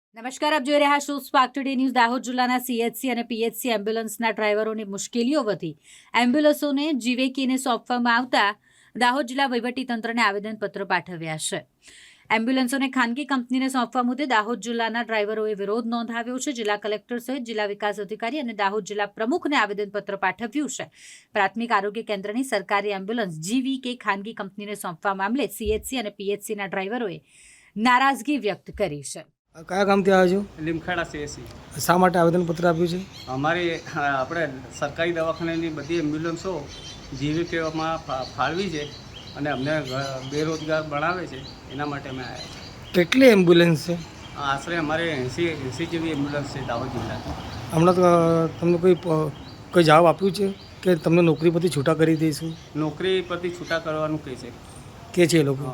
નમસ્કાર, આપ જોઈ રહ્યા છો સ્પાર્ક ટુડે ન્યૂઝ. દાહોદ જિલ્લાના સીએચસી અને પીએચસી એમ્બ્યુલન્સના ડ્રાઈવરોની મુશ્કેલીઓ વધી એમ્બ્યુલન્સોને જીવીકેને સોંપવામાં આવતા દાહોદ જિલ્લા વહીવટીતંત્રને આવેદનપત્ર પાઠવ્યા છે. એમ્બ્યુલન્સોને ખાનગી કંપનીને સોંપવા મુદ્દે દાહોદ જિલ્લાના ડ્રાઈવરોએ વિરોધ નોંધાવ્યો છે. જિલ્લા કલેક્ટર સહિત જિલ્લા વિકાસ અધિકારી અને દાહોદ જિલ્લા પ્રમુખને આવેદનપત્ર પાઠવ્યું છે. પ્રાથમિક આરોગ્ય કેન્દ્રની સરકારી એમ્બ્યુલન્સ જીવીકે ખાનગી કંપનીને સોંપવા મામલે સીએચસી અને પીએચસીના ડ્રાઈવરોએ નારાજગી વ્યક્ત કરી છે. કયા કામથી આવ્યો છો? લીમખાડા સીએસસી. શા માટે આવેદનપત્ર આપ્યું છે? અમારી આપણે સરકારી દવાખાનાની બધી એમ્બ્યુલન્સો જીવીકેમાં ફાળવી છે અને અમને બેરોજગાર બનાવે છે. એના માટે અમે આવ્યા છીએ. કેટલી એમ્બ્યુલન્સ છે? આશરે અમારે 80 જેવી એમ્બ્યુલન્સ છે દાહોદ જિલ્લાની. હમણાં તો તમને કોઈ જવાબ આપ્યું છે કે તમને નોકરી પરથી છૂટા કરી દઈશું? નોકરી પરથી છૂટા કરવાનું કહે છે. કે છે એ લોકો?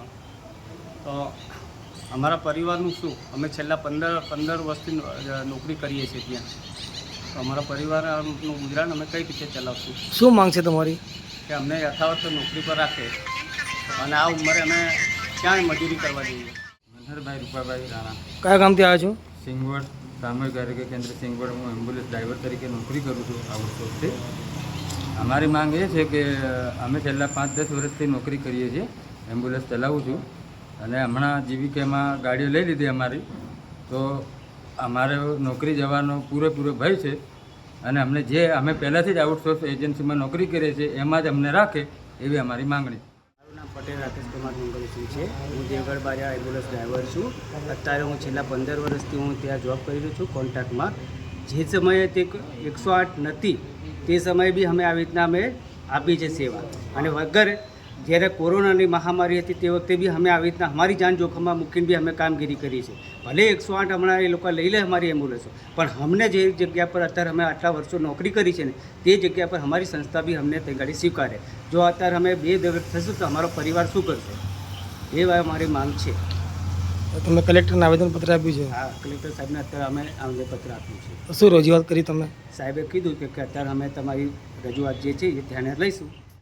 તો અમારા પરિવારનું શું? અમે છેલ્લા 15 વર્ષથી નોકરી કરીએ છીએ ત્યાં. તો અમારા પરિવારનું ગુજરાન અમે કઈ રીતે ચલાવશું? શું માંગ છે તમારી? કે અમને યથાવત નોકરી પર રાખે અને આ ઉંમરે અમે ક્યાં મજૂરી કરવા જઈએ. મનહરભાઈ રૂપાભાઈ રાણા. કયા કામથી આવ્યા છો? સિંગવડ સામૂહિક આરોગ્ય કેન્દ્ર સિંગવડ. હું એમ્બ્યુલન્સ ડ્રાઈવર તરીકે નોકરી કરું છું આ વર્ષોથી. અમારી માંગ એ છે કે અમે છેલ્લા 5-10 વર્ષથી નોકરી કરીએ છીએ, એમ્બ્યુલન્સ ચલાવું છું અને હમણાં જીવીકેમાં ગાડીઓ લઈ લીધી અમારી, તો અમારે નોકરી જવાનો પૂરેપૂરો ભય છે અને અમે પહેલાંથી જ આઉટસોર્સ એજન્સીમાં નોકરી કરીએ છીએ, એમાં જ અમને રાખે એવી અમારી માંગણી. મારું નામ પટેલ રાકેશ કુમાર મંગલસિંહ છે. હું દેવગઢ બારિયા એમ્બ્યુલન્સ ડ્રાઈવર છું. અત્યારે હું છેલ્લા 15 વર્ષથી હું ત્યાં જોબ કરી રહ્યો છું કોન્ટ્રાક્ટમાં. જે સમયે તે 108 નથી તે સમયે બી અમે આવી રીતના અમે આપી છે સેવા. અને વગર જ્યારે કોરોનાની મહામારી હતી તે વખતે બી અમે આવી રીતના અમારી જાન જોખમમાં મૂકીને બી અમે કામગીરી કરી છે. ભલે 108 હમણાં એ લોકો લઈ લે અમારી એમ્બ્યુલન્સો, પણ અમને જે જગ્યા પર અત્યારે અમે આટલા વર્ષો નોકરી કરી છે ને તે જગ્યા પર અમારી સંસ્થા બી અમને તે ગાડી સ્વીકારે. જો અત્યારે અમે બેદરદ થશું તો અમારો પરિવાર શું કરશે? એ અમારી માંગ છે. તમે કલેક્ટરને આવેદનપત્ર આપ્યું છે? હા, કલેક્ટર સાહેબને અત્યારે અમે આવેદનપત્ર આપ્યું છે. શું રજૂઆત કરી તમે? સાહેબે કીધું કે અત્યારે અમે તમારી રજૂઆત જે છે એ ધ્યાને લઈશું.